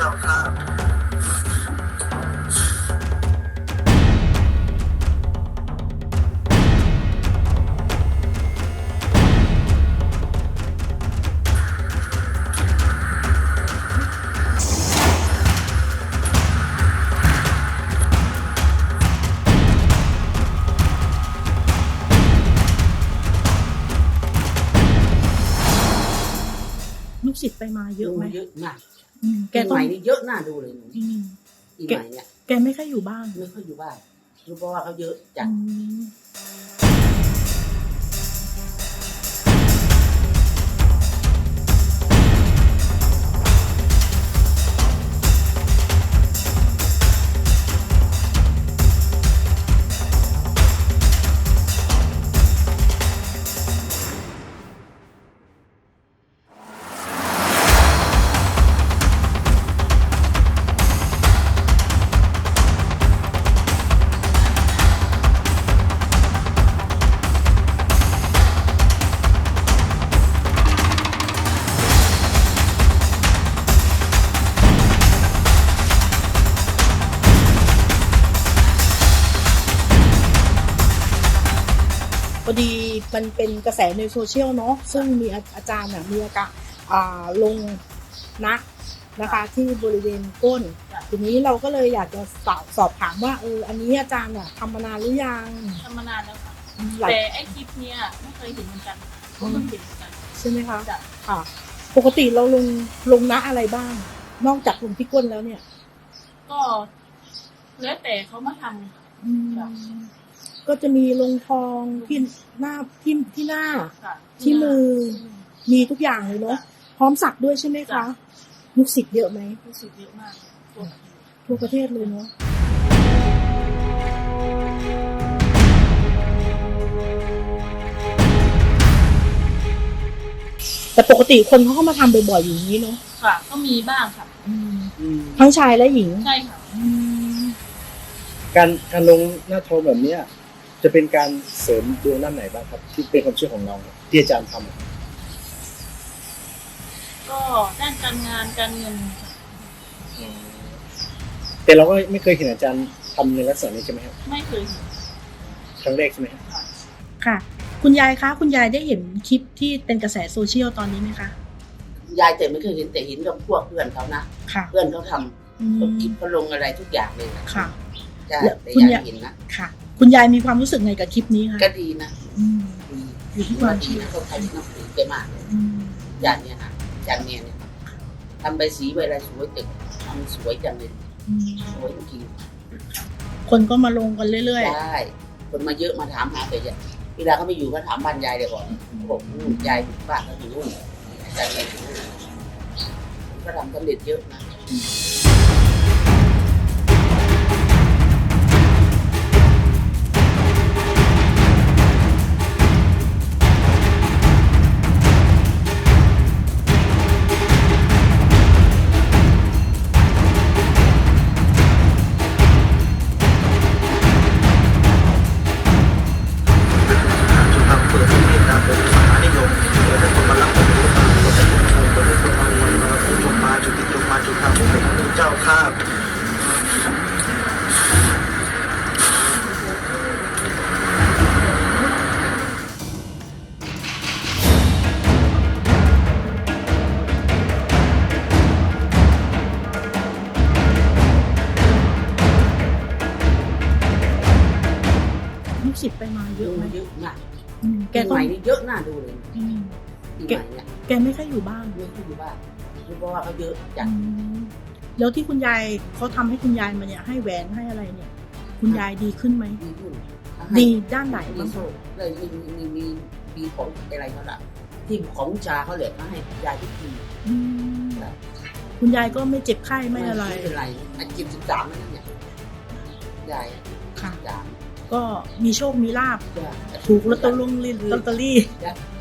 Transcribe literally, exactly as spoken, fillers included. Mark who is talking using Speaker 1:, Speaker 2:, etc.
Speaker 1: าข้า
Speaker 2: ลูกศิษย์ไปมาเยอะไหม
Speaker 3: เยอะมาก
Speaker 2: แก
Speaker 3: ปี
Speaker 2: ต้
Speaker 3: ให
Speaker 2: อง
Speaker 3: ม่นี่เยอะน่าดูเลยหนู
Speaker 2: อืม
Speaker 3: ปีใหม่เนี่ย
Speaker 2: แกไม่ค่อยอยู่บ้าน
Speaker 3: ไม่ค่อยอยู่บ้านรู้เพราะว่าเขาเยอะจัด
Speaker 2: อืมพอดีมันเป็นกระแสในโซเชียลเนาะซึ่งมีอาจารย์น่ะมีอาการอ่าลงนะนะคะที่บริเวณก้นทีนี้เราก็เลยอยากจะสอบสอบถามว่าเอออันนี้อาจารย์น่ะทำมานานหรือยัง
Speaker 4: ทำมานานแล้วค่ะ
Speaker 2: หลาย
Speaker 4: แต่ไอ้คลิปเนี้ยไม่เคยเห็นเหมือนกันก็เพิ่งเห็นเหมือนกัน
Speaker 2: ใช่ไหมคะ
Speaker 4: จ้ะ
Speaker 2: ค่ะ ปกติเราลงลงนะอะไรบ้าง นอกจากลงที่ก้นแล้วเนี่ย
Speaker 4: ก็แล้วแต่เขามาทำค่ะ
Speaker 2: อืม
Speaker 4: จ้ะ
Speaker 2: ก็จะมีลงทองที่หน้าที่ที่หน้า
Speaker 4: ค่ะ
Speaker 2: ที่มือมีทุกอย่างเลยเนาะพร้อมสักด้วยใช่ไหมคะลูกศิษย์เยอะไหม
Speaker 4: รู้สึกเยอะมากตัวแบบนี้
Speaker 2: ทั่วประเทศเลยเนาะแต่ปกติคนเขาก็มาทำบ่อยๆอย่างนี้เนาะ
Speaker 4: ค่ะ ก็มีบ้างค่ะ
Speaker 3: อืม
Speaker 2: ทั้งชายและหญิง
Speaker 4: ใช่ค่ะ
Speaker 1: การการลงหน้าทองแบบเนี้ยจะเป็นการเสริมดวงด้านไหนบ้างครับ ที่เป็นความเชื่อของเราที่อาจารย์ทำ
Speaker 4: ก็ด้านการงานการเงินค่ะ
Speaker 1: แต่เราก็ไม่เคยเห็นอาจารย์ทำในลักษณะนี้ใช่ไหมครับ
Speaker 4: ไม่เคยเห็น
Speaker 1: ครั้งแรกใช่ไหมครับ
Speaker 4: ค่ะ
Speaker 2: ค่ะ คุณยายคะคุณยายได้เห็นคลิปที่เป็นกระแสโซเชียลตอนนี้ไหมคะ
Speaker 3: ยายแต่ไม่เคยเห็นแต่เห็นกับพวกเพื่อนเขานะ
Speaker 2: ค่ะ
Speaker 3: เพื่อนเขาท
Speaker 2: อื
Speaker 3: ำ
Speaker 2: ม
Speaker 3: เขาคลิปเขาลงอะไรทุกอย่างเลยนะ
Speaker 2: ค่ะ
Speaker 3: ใช่
Speaker 2: แล้ว
Speaker 3: แต่
Speaker 2: คุณ
Speaker 3: ยาย
Speaker 2: ยาย
Speaker 3: เห็นนะ
Speaker 2: ค่ะ คุณยายมีความรู้สึกไงกับคลิปนี้คะ
Speaker 3: ก็ดีนะ
Speaker 2: อืม
Speaker 3: ดี
Speaker 2: อยู่ที่ความเชื่อ
Speaker 3: เขาใครที่นับถือแกมากเลย
Speaker 2: อืม
Speaker 3: จานเนี่ยนะจานเนี่ยเนี่ยทำใบสีใบอะไรสวยตึกทำสวยจังเลย
Speaker 2: อืม
Speaker 3: สวยจริง
Speaker 2: คนก็มาลงกันเรื่อย
Speaker 3: ๆได้คนมาเยอะมาถามหาแต่ยายเวลาเขาไม่อยู่ก็ถามบ้านยายเลยก่อนเขาบอกนู่นยายอยู่บ้านเขาอยู่นู่นจานเนี่ยอยู่นู่นก็ทำสำเร็จเยอะนะ
Speaker 1: ทำเปิดที่นี่นะเป็นสานิยมเปิดให้คนมารับผมมาเปิดให้คนชมเปิดให้คนมาเรียนมาผู้ชมมาจุดติดลงมาจุดทางผมเป็นพระเจ้าข้า
Speaker 2: ๆลูกศิษย์ไปมาเยอะไหม
Speaker 3: เยอะมาก
Speaker 2: อืมแก
Speaker 3: ปี
Speaker 2: ต้
Speaker 3: ให
Speaker 2: อง
Speaker 3: ม่นี่เยอะน่าดูเลย
Speaker 2: อืม
Speaker 3: ปีใหม่เนี่ย
Speaker 2: แกไม่ค่อยอยู่บ้าน
Speaker 3: ไม่ค่อยอยู่บ้านรู้เพราะว่าเขาเยอะจัด
Speaker 2: อืมแล้วที่คุณยายเขาทำให้คุณยายมาเนี่ยให้แหวนให้อะไรเนี่ย คุณยายดีขึ้นไหม
Speaker 3: ดีขึ้น
Speaker 2: ดีด้านไหน
Speaker 3: มี
Speaker 2: บ้าง
Speaker 3: โซ่เลยมีมีมีมีของอะไรเขาละที่ของชาเขาเหลือมาให้ยายทุกที
Speaker 2: อืมคุณยายก็ไม่เจ็บไข้ไม่อะไร
Speaker 3: ไม่เป็นไรอันจิบสิบสามนั่นเนี่ยยาย
Speaker 2: ค่ะ
Speaker 3: สาม
Speaker 2: ก็มีโชคมีลาบ
Speaker 3: จะ
Speaker 2: ถูกลอตเตอรี่ลอตเตอรี่
Speaker 3: จะ